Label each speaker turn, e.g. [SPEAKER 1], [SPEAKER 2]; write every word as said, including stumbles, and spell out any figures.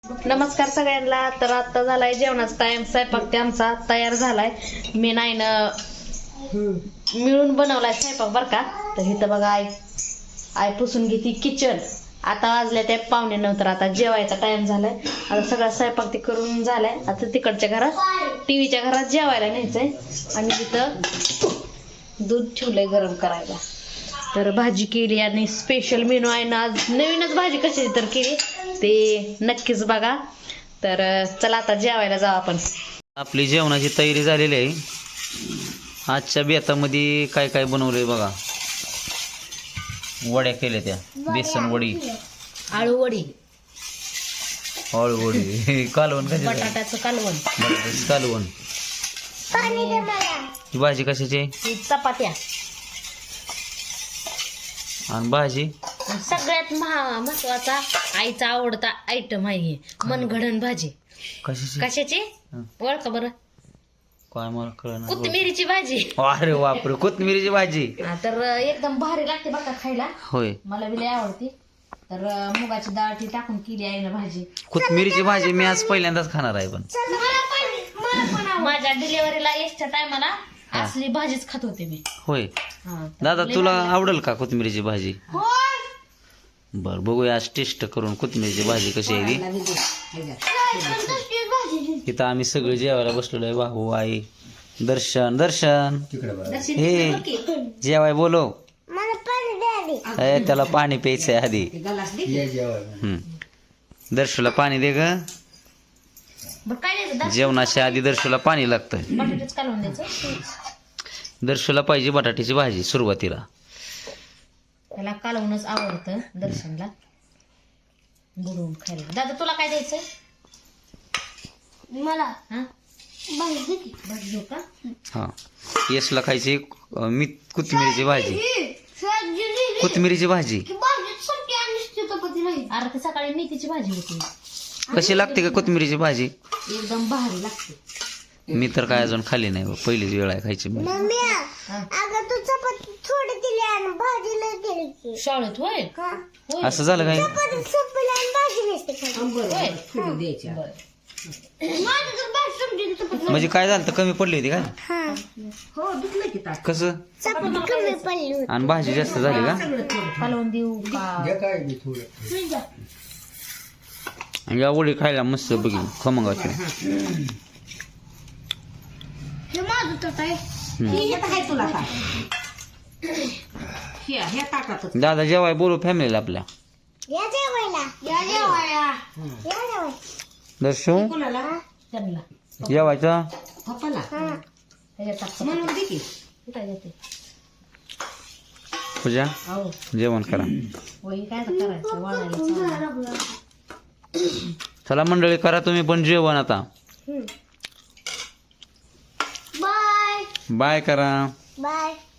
[SPEAKER 1] नमस्कार सगळ्यांना. तर आता झालाय जेवणाचा टाइम. स्वयंपाक ते आमचा तयार झालाय. मी नाही ना मिळून बनवलाय स्वयंपाक बर का. तर इथं बघा आई आई पुसून घेते किचन. आता वाजले ते पावणे नऊ. तर आता जेवायचा टाइम झालाय. आता सगळा स्वयंपाक ते करून झालाय. आता तिकडच्या घरात टीव्हीच्या घरात जेवायला न्यायचंय. आणि तिथं दूध ठेवलंय गरम करायला. तर भाजी केली आणि स्पेशल मेनू आहे ना आज. नवीनच भाजी कशी तर केली ते नक्कीच बघा. तर चला आता जेवायला जाऊ आपण.
[SPEAKER 2] आपली जेवणाची तयारी झालेली आहे. आजच्या बेतामध्ये काय काय बनवलंय बघा. वड्या केल्या त्या बेसन वडी,
[SPEAKER 1] आळू वडी,
[SPEAKER 2] आळू वडी, कालवण कशाचं,
[SPEAKER 1] बटाट्याचं कालवण,
[SPEAKER 2] बटाट्याचं कालवण. ही भाजी कशाची,
[SPEAKER 1] चपात्या
[SPEAKER 2] आणि भाजी
[SPEAKER 1] सगळ्यात महा महत्वाचा आईचा आवडता आयटम आहे हे मनगडण भाजी.
[SPEAKER 2] कशाची
[SPEAKER 1] कशाची ओळख बरं.
[SPEAKER 2] काय मला कळलं.
[SPEAKER 1] कोथिंबीरीची भाजी.
[SPEAKER 2] अरे बापरे, कोथिंबीरीची भाजी.
[SPEAKER 1] हा, तर एकदम भारी लागते बघा खायला.
[SPEAKER 2] होय,
[SPEAKER 1] मला बी लय आवडते. तर मुगाची डाळ ती टाकून केली आहे ना भाजी.
[SPEAKER 2] कोथिंबीरीची भाजी मी आज पहिल्यांदाच खाणार आहे. पण
[SPEAKER 1] माझ्या डिलिव्हरीला यायच्या टायमाला असली भाजीच खात होते मी.
[SPEAKER 2] होय
[SPEAKER 1] हा,
[SPEAKER 2] दादा, तुला आवडेल का कोथिंबीरीची भाजी? बर, बघूया आज टेस्ट करून कोथिंबीरीची भाजी कशी आहे ती. इथं आम्ही सगळे जेवायला बसलेलो आहे. भाऊ, आई, दर्शन. दर्शन हे जेवाय बोलो. ए, त्याला पाणी प्यायचंय आधी. हम्म, दर्शूला पाणी दे ग.
[SPEAKER 1] बरं काय द्यायचं
[SPEAKER 2] जेवणाच्या आधी दर्शूला पाणी लागतंय.
[SPEAKER 1] बटाट्याच कालवून द्यायचं.
[SPEAKER 2] दर्शूला पाहिजे बटाट्याची भाजी सुरुवातीला.
[SPEAKER 1] त्याला कालवूनच आवडतं दर्शनला बुडवून खायला. दादा तुला काय द्यायचंय? मला हा भाजी देऊ का?
[SPEAKER 2] हा, यशला खायची अं, मी कोथिंबीरीची भाजी. कोथिंबीरीची भाजी
[SPEAKER 1] अरे ती सकाळी मेथीची भाजी होती.
[SPEAKER 2] कशी लागते का कोथिंबीरीची भाजी?
[SPEAKER 1] एकदम भारी लागते.
[SPEAKER 2] मी तर काय अजून खाल्ली नाही बा. पहिलीच वेळ आहे खायची.
[SPEAKER 1] शाळेत होय होय.
[SPEAKER 2] असं झालं काय? म्हणजे काय झालं तर कमी पडली होती काय? कसं? आणि भाजी जास्त झाली का?
[SPEAKER 1] कालवून देऊ का?
[SPEAKER 2] या वडी खायला मस्त बघी खमंगाची. दादा जेवाय बोलू फॅमिलीला आपल्या. दर्शू जेवायचं. पूजा जेवण करा. चला मंडळी, करा तुम्ही पण जेवण आता. बाय बाय करा.
[SPEAKER 3] बाय.